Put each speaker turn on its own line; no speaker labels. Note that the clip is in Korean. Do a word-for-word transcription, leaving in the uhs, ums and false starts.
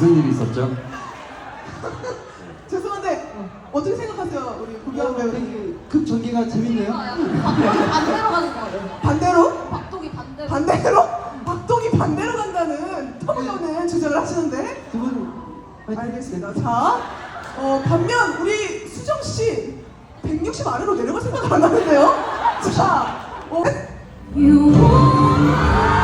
무슨 일이 있었죠?
죄송한데 어떻게 생각하세요, 우리 구경 배우님?
급 전개가 재밌네요.
반대로 가는 거예요.
반대로?
박동이 반대로.
반대로? 박동이 반대로 간다는 터무니없는 주장을 하시는데?
두 분
알겠습니다. 자, 어, 반면 우리 수정 씨 백육십 아래로 내려갈 생각 안 하는데요? 자, 어,
You want